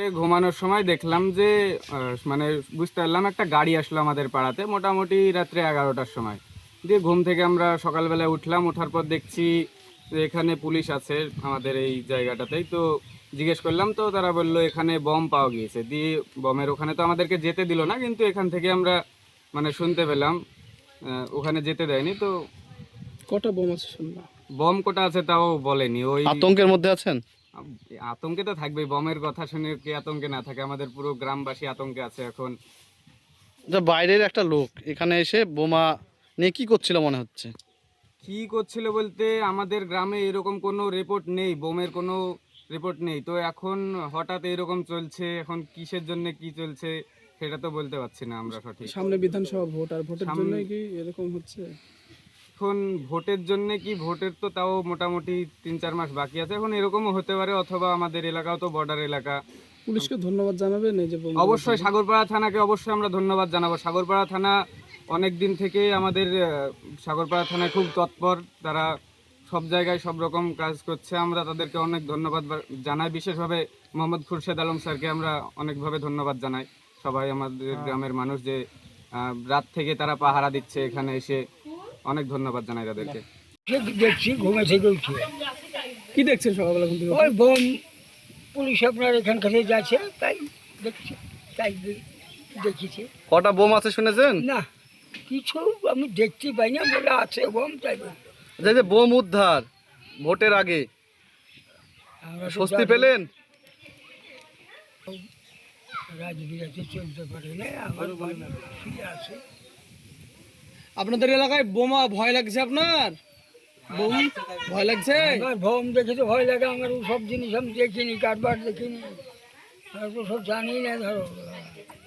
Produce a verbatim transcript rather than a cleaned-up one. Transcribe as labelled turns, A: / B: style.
A: ঘুমানোর সময় দেখলাম যে আহ, মানে বুঝতে পারলাম একটা গাড়ি আসলো আমাদের পাড়াতে মোটামুটি রাত্রে এগারোটার সময়। দিয়ে ঘুম থেকে আমরা সকালবেলায় উঠলাম, ওঠার পর দেখছি যে এখানে পুলিশ আছে আমাদের এই জায়গাটাতেই। তো জিজ্ঞেস করলাম, তো তারা বললো এখানে বম পাওয়া গিয়েছে। দিয়ে বমের ওখানে তো আমাদেরকে যেতে দিল না, কিন্তু এখান থেকে আমরা মানে শুনতে পেলাম আহ, ওখানে যেতে দেয়নি। তো
B: কটা বোম আছে শুনলাম?
A: বম কোটা আছে তাও বলেনি। ওই
C: আতঙ্কের মধ্যে আছেন?
A: আতঙ্কে তো থাকবেই, বমের কথা শুনে কি আতঙ্কে না থাকে? আমাদের পুরো গ্রামবাসী আতঙ্কে আছে এখন।
C: যা বাইরের একটা লোক এখানে এসে বোমা নিয়ে কি করছিল মনে হচ্ছে?
A: কি করছিল বলতে, আমাদের গ্রামে এরকম কোনো রিপোর্ট নেই, বোমের কোনো রিপোর্ট নেই। তো এখন হঠাৎ এরকম চলছে, এখন কিসের জন্য কি চলছে সেটা তো বলতে পারছি না আমরা সঠিক।
B: সামনে বিধানসভা ভোট, আর ভোটের
A: সামনে-
B: জন্য কি এরকম হচ্ছে?
A: এখন ভোটের জন্য কি, ভোটের তো তাও মোটামুটি তিন চার মাস বাকি আছে, এখন এরকমও হতে পারে। অথবা আমাদের এলাকাও তো বর্ডার এলাকা।
B: পুলিশকে ধন্যবাদ জানাবেন এই যে বোম।
A: অবশ্যই সাগরপাড়া থানাকে অবশ্যই আমরা ধন্যবাদ জানাবো। সাগরপাড়া থানা অনেক দিন থেকে আমাদের আহ, সাগরপাড়া থানায় খুব তৎপর, তারা সব জায়গায় সব রকম কাজ করছে। আমরা তাদেরকে অনেক ধন্যবাদ বা- জানাই। বিশেষভাবে মোহাম্মদ খুরশেদ আলম স্যারকে আমরা অনেকভাবে ধন্যবাদ জানাই। সবাই আমাদের গ্রামের মানুষ যে আহ, রাত থেকে তারা পাহারা দিচ্ছে এখানে এসে, অনেক ধন্যবাদ জানাই তাদেরকে।
D: দেখছি ঘুমে থেকে উঠে
B: কি দেখছেন সকালবেলা ঘুম থেকে?
D: ওই বোম পুলিশ আপনার এখান থেকে যাচ্ছে, তাই দেখছি, তাই দে- দেখেছি।
C: কটা বোম আছে শুনেছেন?
D: না, কিছু আমি দেখতে পাই না, বলে আছে বোম, তাই বললো।
C: যে যে বোম উদ্ধার ভোটের আগে
D: আমরা তো
C: স্বস্তি
D: জানি,
C: পেলেন?
D: রাজবিরাজে চলতে পারে না, আমার বাড়ি ফিরে আছে।
B: আপনাদের এলাকায় বোমা ভয় লাগছে আপনার? বোম ভয় লাগছে?
D: আমার বোম দেখে তো ভয় লাগে, আমার সব জিনিস আমি দেখিনি, কারবার দেখিনি, আর তো সব জানি না ধরো।